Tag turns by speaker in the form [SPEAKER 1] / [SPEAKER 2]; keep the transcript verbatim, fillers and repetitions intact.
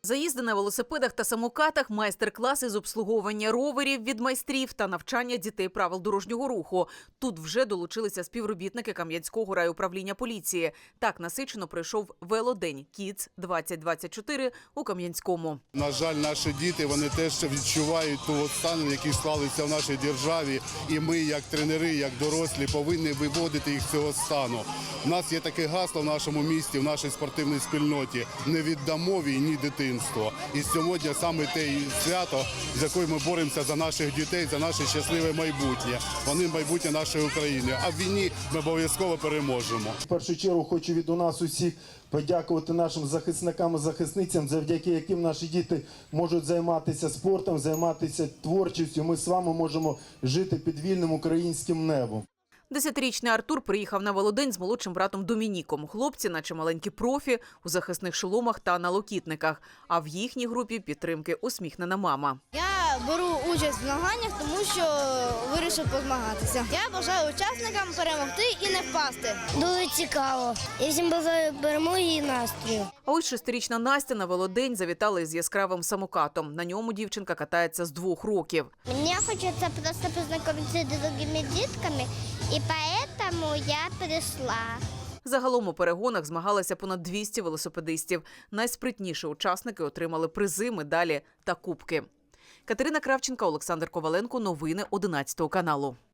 [SPEAKER 1] Заїзди на велосипедах та самокатах, майстер-класи з обслуговування роверів від майстрів та навчання дітей правил дорожнього руху. Тут вже долучилися співробітники Кам'янського райуправління поліції. Так насичено пройшов велодень «Кідс двадцять двадцять чотири» у Кам'янському.
[SPEAKER 2] На жаль, наші діти, вони теж відчувають ту стан, який склалися в нашій державі. І ми, як тренери, як дорослі, повинні виводити їх з цього стану. У нас є таке гасло в нашому місті, в нашій спортивній спільноті – «Не віддамо війні дитинство». І сьогодні саме те свято, з якою ми боремося за наших дітей, за наше щасливе майбутнє. Вони майбутнє нашої України. А в війні ми обов'язково переможемо.
[SPEAKER 3] В першу чергу хочу від у нас усіх подякувати нашим захисникам і захисницям, завдяки яким наші діти можуть займатися спортом, займатися творчістю. Ми з вами можемо жити під вільним українським небом.
[SPEAKER 1] Десятирічний Артур приїхав на велодень з молодшим братом Домініком. Хлопці, наче маленькі профі, у захисних шоломах та налокітниках. А в їхній групі підтримки усміхнена мама.
[SPEAKER 4] Я беру участь в змаганнях, тому що вирішив позмагатися. Я бажаю учасникам перемогти і не впасти.
[SPEAKER 5] Дуже цікаво. Я всім бажаю перемоги і настрою.
[SPEAKER 1] А ось шестирічна Настя на велодень завітала із яскравим самокатом. На ньому дівчинка катається з двох років.
[SPEAKER 5] Мені хочеться просто познайомитися з другими дітками, і тому я прийшла.
[SPEAKER 1] Загалом у перегонах змагалися понад двісті велосипедистів. Найспритніші учасники отримали призи, медалі та кубки. Катерина Кравченка, Олександр Коваленко. Новини одинадцятого каналу.